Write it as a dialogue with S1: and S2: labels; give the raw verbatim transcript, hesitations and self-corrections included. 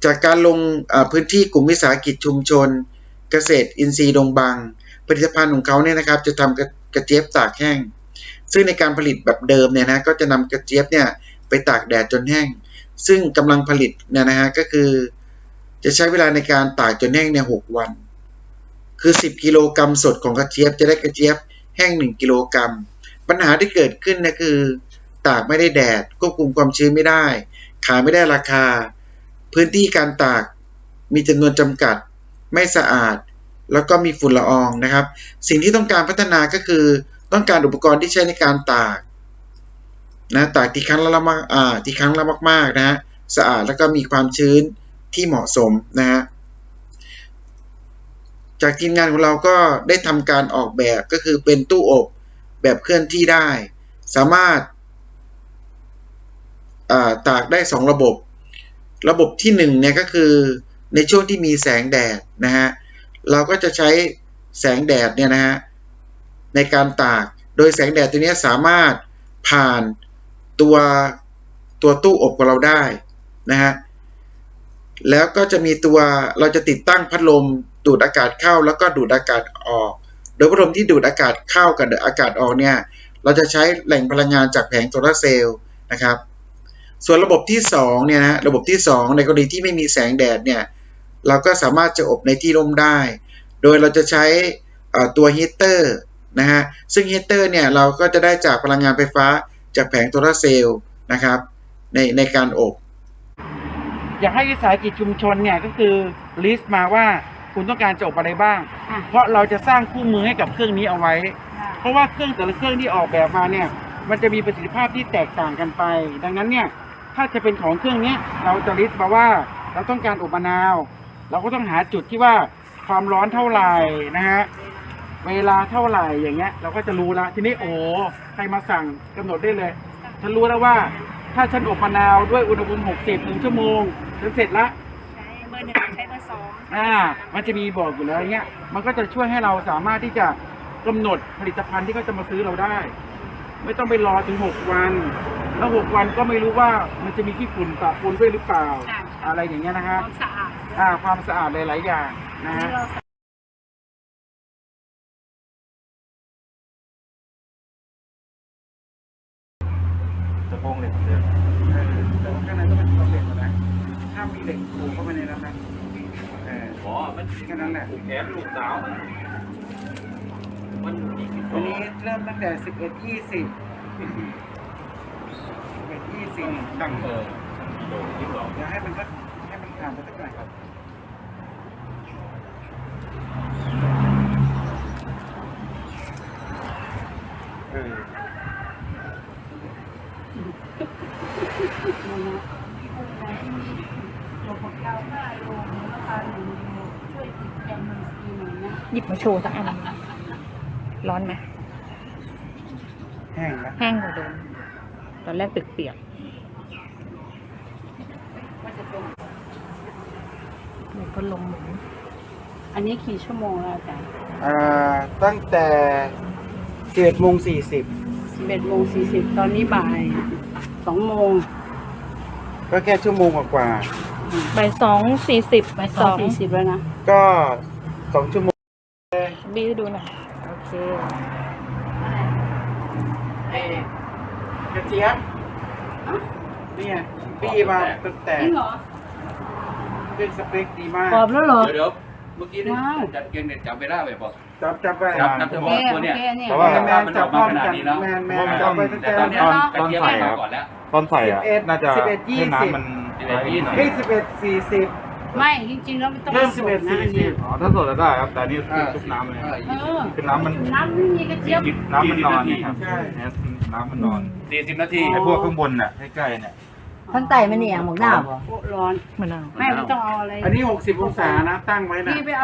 S1: จากการลงพื้นที่กลุ่มวิสาหกิจชุมชนเกษตรอินทรีย์ดงบางผลิตภัณฑ์ของเขาเนี่ยนะครับจะทำกระเจี๊ยบตากแห้งซึ่งในการผลิตแบบเดิมเนี่ยนะก็จะนำกระเจี๊ยบเนี่ยไปตากแดดจนแห้งซึ่งกำลังผลิตเนี่ยนะฮะก็คือจะใช้เวลาในการตากจนแห้งเนี่ยหกวันคือสิบกิโลกรัมสดของกระเจี๊ยบจะได้กระเจี๊ยบแห้งหนึ่งกิโลกรัมปัญหาที่เกิดขึ้นนะคือตากไม่ได้แดดควบคุมความชื้นไม่ได้ขายไม่ได้ราคาพื้นที่การตากมีจำนวนจำกัดไม่สะอาดแล้วก็มีฝุ่นละอองนะครับสิ่งที่ต้องการพัฒนาก็คือต้องการอุปกรณ์ที่ใช้ในการตากนะตากที่ครั้งละมากอ่าที่ครั้งละมากๆนะฮะสะอาดแล้วก็มีความชื้นที่เหมาะสมนะฮะจากทีมงานของเราก็ได้ทำการออกแบบก็คือเป็นตู้อบแบบเคลื่อนที่ได้สามารถตากได้สองระบบระบบที่หนึ่งเนี่ยก็คือในช่วงที่มีแสงแดดนะฮะเราก็จะใช้แสงแดดเนี่ยนะฮะในการตากโดยแสงแดดตัวนี้สามารถผ่านตัวตัวตู้อบของเราได้นะฮะแล้วก็จะมีตัวเราจะติดตั้งพัดลมดูดอากาศเข้าแล้วก็ดูดอากาศออกโดยพัดลมที่ดูดอากาศเข้ากับอากาศออกเนี่ยเราจะใช้แหล่งพลังงานจากแผงโซลาร์เซลล์นะครับส่วนระบบที่สองเนี่ยนะระบบที่สองในกรณีที่ไม่มีแสงแดดเนี่ยเราก็สามารถจะอบในที่ร่มได้โดยเราจะใช้ตัวฮีเตอร์นะฮะซึ่งฮีเตอร์เนี่ยเราก็จะได้จากพลังงานไฟฟ้าจากแผงโซลาร์เซลล์นะครับในในการอบ
S2: อยากให้วิสาหกิจชุมชนเนี่ยก็คือลิสต์มาว่าคุณต้องการจะอบอะไรบ้างเพราะเราจะสร้างคู่มือให้กับเครื่องนี้เอาไว้เพราะว่าเครื่องแต่ละเครื่องที่ออกแบบมาเนี่ยมันจะมีประสิทธิภาพที่แตกต่างกันไปดังนั้นเนี่ยถ้าจะเป็นของเครื่องนี้เราจะลิสต์มาว่าเราต้องการอบมะนาวเราก็ต้องหาจุดที่ว่าความร้อนเท่าไหร่นะฮะเวลาเท่าไหร่อย่างเงี้ยเราก็จะรู้แล้วทีนี้โอ้ใครมาสั่งกำหนดได้เลยฉันรู้แล้วว่าถ้าฉันอบมะนาวด้วยอุณหภูมิหกสิบหนึ่งชั่วโมงฉันเสร็จละ
S3: ใช้เบอร์หนึ่งใช้เบอร์สอง
S2: อ่ามันจะมีบอกอยู่แล้วเงี้ยมันก็จะช่วยให้เราสามารถที่จะกำหนดผลิตภัณฑ์ที่เขาจะมาซื้อเราได้ไม่ต้องไปรอถึงหกวันแล้วหกวันก็ไม่รู้ว่ามันจะมีขี้ฝุ่นปะปนด้วยหรือเปล่าอะไรอย่างเงี้ยนะฮะ
S3: ความสะอาด
S2: อ่าความสะอาดหลายๆอย่างนะฮะตะโพงเหล็กเดิมแต่ว่าข้างในก็เป็นตะเหล็กนะถ้ามีเหล็กผูกเข้าไปในนั้นนะเอออ๋อมันแค่นั้นแหละผูกแขนลูกสาวมันวันนี้เริ่มตั้งแต่สิบเอ็ดยี่สิบสิบเอ็ดยี่สิบตั้งเออเดี๋ยวให้มันก็ให้มันผ่านไปสักหน่อยครับเออ
S4: หยิบมาโชว์สักอันร้อนไหม
S2: แห้งนะ
S4: แห้งกว่าเดิมตอนแรกตึกเปียกแล้วก็ลมหมุน
S3: อันนี้กี่ชั่วโมงแล้วอาจารย์
S2: อ่าตั้งแต่สิบเอ็ดโมงสี่สิบ
S3: สิบเอ็ดโมงสี่สิบตอนนี้บ่ายสองโมง
S2: ก็แค่ชั่วโมงกว่า
S4: บ่ายสองสี่สิบ
S3: บ่ายสองสี่สิบแล้วนะ
S2: ก็สองชั่วโมง
S4: บีดูหน่อยโอเค
S2: ไอ้กระเจี๊ยบนี่ไงบีมาตั้งแต่
S3: จริงเหรอ
S2: เป็นสเปคดีมาก
S3: กรอบแล้วเหรอ
S5: เดี๋ยวเมื่อกี้นี่จัดเกณฑ์เด็ดจับเวลาไปบอก
S2: จับจับไป
S5: จับจับตัวตัวเนี้ย
S2: เพราะว่าแมนจับพร้อมกันแมนแมนจับไปตั้งแต่
S5: ตอนนี้ตอนใส่ก่อนแล้ว
S6: ตอนใส่อ่ะน่าจะให้น้ำมัน
S5: สิบเอ็ดยี่สิบ
S2: เฮ้ยสิบเอ็ดสี่สิบ
S3: ไม่จริงๆแล้วมันต้อง
S2: เริ่มสิบเอ็ดสี่สิบ
S6: อ๋อถ้าสดแล้วได้ครับแต่นี่ชุบน้ำเลยคือน้ำมัน
S3: น้ำไม่มีกระเจี๊ยบ
S6: น้ำมันนอนนี่ครับใช่น้ำมันนอน
S5: สี่สิบนาที
S6: ไอ้พวกข้างบนน่ะใกล้ๆเนี่ย
S7: ท่านไต่มันเนี่ยหมกหน้า
S3: ร้อน
S4: มะนาว
S3: ไม่ไม่ต้องเอาอะไร
S2: อันนี้หกสิบองศานะตั้งไว้นะ
S3: พี่ไปเอา